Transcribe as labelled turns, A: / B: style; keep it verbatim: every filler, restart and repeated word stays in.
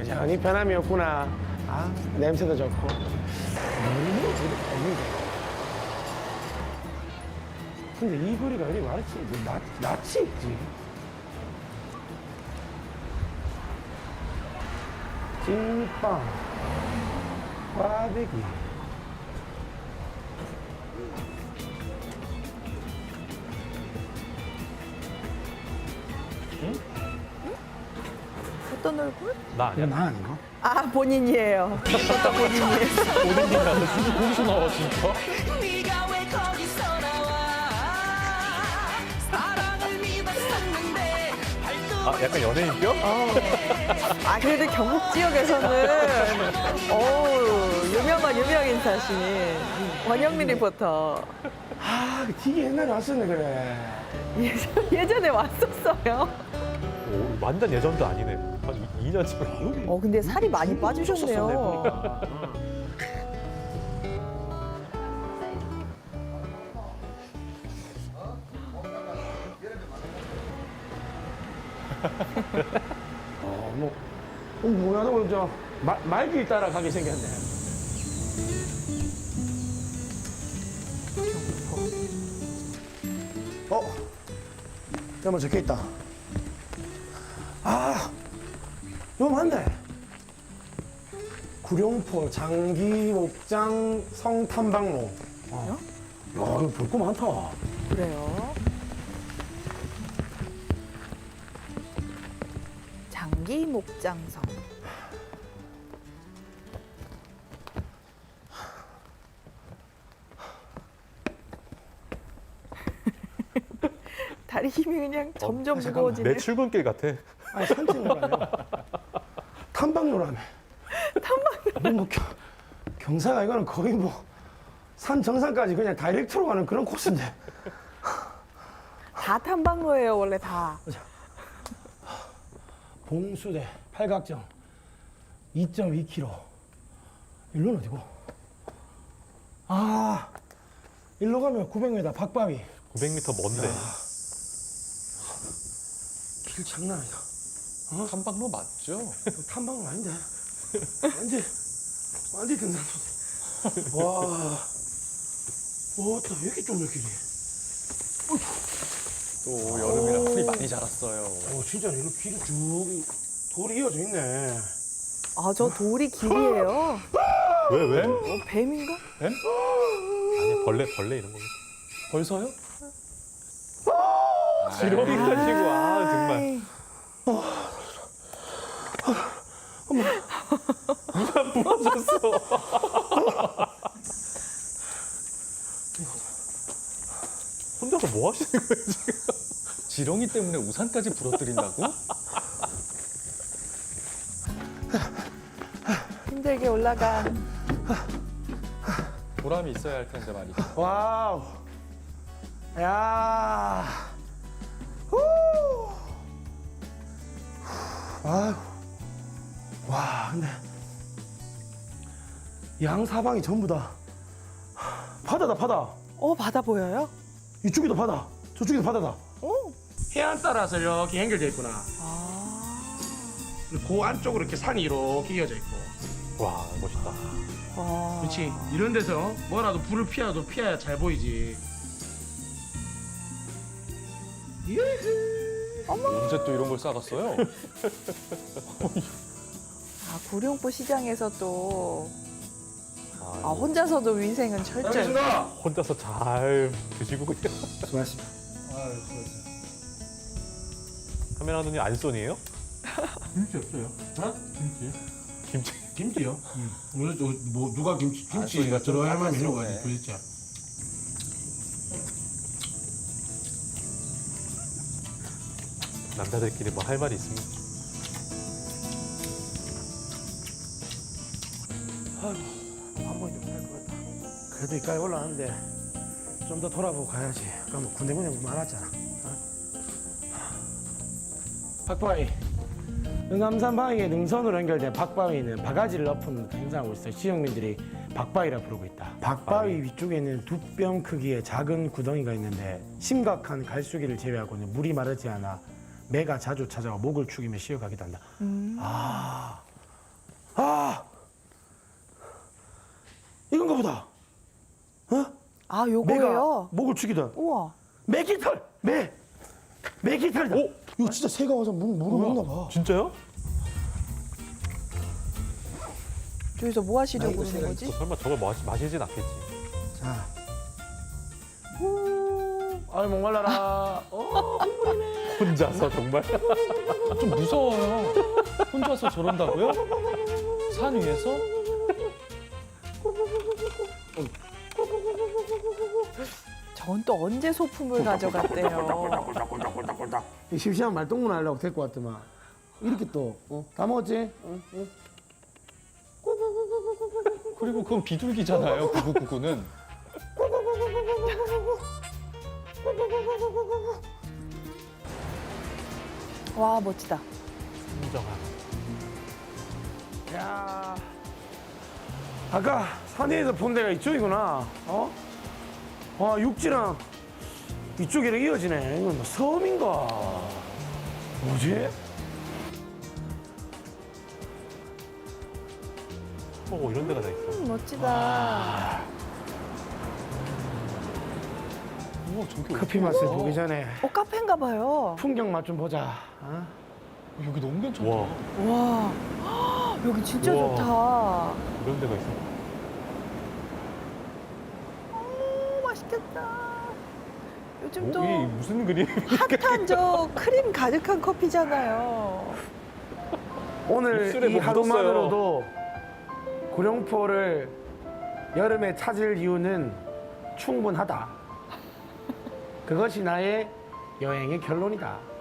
A: 여전히 변함이 없구나. 아, 냄새도 좋고. 너무 저렇게 없는데. 근데 이 거리가 어디 말했지? 낯, 낯이 있지. 찐빵, 꽈배기.
B: 어떤 얼굴?
C: 나 아니야.
A: 나 아닌가?
B: 아, 본인이에요. 어떤 본인이에요?
C: 어딘지 나왔어. 거기서 나와 진짜?
D: 네가 왜 거기서 나와 사랑을 믿었었는데 발톱
C: 아 약간 연예인병?
B: 아, 그래도 경북 지역에서는 어우, 유명한 유명 인사신 원영민 리포터.
A: 아, 되게 옛날에 왔었네, 그래.
B: 예전, 예전에 왔었어요.
C: 오, 완전 예전도 아니네. 한 이 년 전.
B: 어, 근데 살이 많이 빠지셨네요.
A: 보니까. 어, 뭐, 어, 뭐야, 너, 저, 말, 말길 따라 가게 생겼네. 어, 여기 뭐 적혀 있다. 아, 이거 맞네. 구룡포 장기목장 성탐방로. 어. 야, 이거 볼 거 많다.
B: 그래요. 장기 목장성. 다리 힘이 그냥 점점
A: 아, 잠깐만.
B: 무거워지네.
C: 내 출근길 같아.
A: 아니, 산책을 아니야. 탐방로라며. 탐방로? 뭐, 경, 경사가 이거는 거의 뭐, 산 정상까지 그냥 다이렉트로 가는 그런 코스인데.
B: 다 탐방로예요, 원래 다.
A: 봉수대, 팔각정, 이 점 이 킬로미터. 일로는 어디고? 아, 일로 가면 구백 미터 박바위.
C: 구백 미터 먼데.
A: 길 장난 아니다.
E: 탐방로 맞죠?
A: 이거 탐방은 아닌데. 완전, 완전 등산로네. 와. 와, 또 왜 이렇게 좁냐, 길이.
E: 또 여름이라 풀이 많이 자랐어요.
A: 오, 진짜 이거 길이 쭉, 돌이 이어져 있네.
B: 아, 저 돌이 길이에요.
C: 왜 왜?
B: 어, 뱀인가?
C: 아니 벌레 벌레 이런 거.
E: 벌써요?
C: 지렁이 가지고 아 정말.
B: 아이,
C: 이만 부러졌어. 혼자서 뭐 하시는 거예요 지금?
E: 지렁이 때문에 우산까지 부러뜨린다고?
B: 힘들게 올라간.
E: 보람이 있어야 할 텐데 말이죠.
A: 와우. 야. 후. 아유. 와, 근데 양 사방이 전부 다 바다다, 바다.
B: 어, 바다 보여요?
A: 이쪽에도 바다, 저쪽에도 바다다.
B: 오.
A: 해안 따라서 이렇게 연결돼 있구나.
B: 아.
A: 그 안쪽으로 이렇게 산이 이렇게 이어져 있고.
C: 와 멋있다.
B: 와.
A: 그렇지. 이런 데서 뭐라도 불을 피하도 피해야 잘 보이지.
E: 언제 또 이런 걸 싸갔어요?
B: 아, 구룡포 시장에서 또. 아,
C: 아,
B: 혼자서도 위생은 철저히.
A: 알겠습니다.
C: 혼자서 잘 드시고 그냥.
A: 수고하셨습니다.
C: 카메라 눈이 안 쏜이에요?
A: 김치 없어요? 어? 김치?
C: 김치.
A: 김치요? 오늘 저, 뭐 누가 김치 김치가
E: 아,
A: 들어갈 만한
E: 좀
A: 이유가
E: 네.
A: 도대체.
C: 남자들끼리 뭐 할 말이 있습니까?
A: 한번 좀 할 것 같다. 그래도 이까지 올라왔는데 좀 더 돌아보고 가야지. 아까 뭐 군데군데 많았잖아. 어? 박바위. 응암산 바위에 능선으로 연결된 박바위는 바가지를 엎은 행사하고 있어요. 지역민들이 박바위라 부르고 있다. 박바위 위쪽에는 두 뼘 크기의 작은 구덩이가 있는데 심각한 갈수기를 제외하고는 물이 마르지 않아 매가 자주 찾아와 목을 축이며 쉬어가기도 한다. 아, 아, 이건가 보다. 어?
B: 아,
A: 매가
B: 요거예요?
A: 목을 죽이던
B: 우와.
A: 매깃털, 매, 매깃털이다.
C: 오!
A: 이거 진짜 새가 와서 물 물을 먹나 봐.
C: 진짜요?
B: 저기서 뭐 하시려고
A: 아이고,
B: 그러는 거지?
C: 또 설마 저걸 마시, 마시진 않겠지.
A: 자, 후, 아이 목말라라. 어,
C: 혼자서 정말.
E: 좀 무서워요. 혼자서 저런다고요? 산 위에서?
B: 전 또 언제 소품을 가져갔대요.
A: 이 심심한 말동무 하려고 데리고 왔더만 이렇게 또 어? 다 먹었지? 어? 어?
E: 그리고 그건 비둘기잖아요. 구구구구는.
B: 와, 멋지다.
C: 인정하고.
A: 야, 아까 산에서 본 데가 이쪽이구나. 어? 아, 육지랑 이쪽이랑 이어지네. 이건 뭐 섬인가? 뭐지?
C: 어, 이런 데가 다 있어.
B: 음, 멋지다.
E: 우와, 저기
A: 커피
E: 어디야?
A: 맛을 보기 전에
B: 어, 카페인가 봐요.
A: 풍경 맛 좀 보자. 어?
E: 여기 너무 괜찮다.
C: 와,
B: 와. 헉, 여기 진짜
C: 우와.
B: 좋다.
C: 이런 데가 있어.
B: 오, 맛있겠다. 요즘 또
C: 오, 이 무슨 그림?
B: 핫한 저 크림 가득한 커피잖아요.
A: 오늘
C: 입술에
A: 이
C: 뭐
A: 하루만으로도 구룡포를 여름에 찾을 이유는 충분하다. 그것이 나의 여행의 결론이다.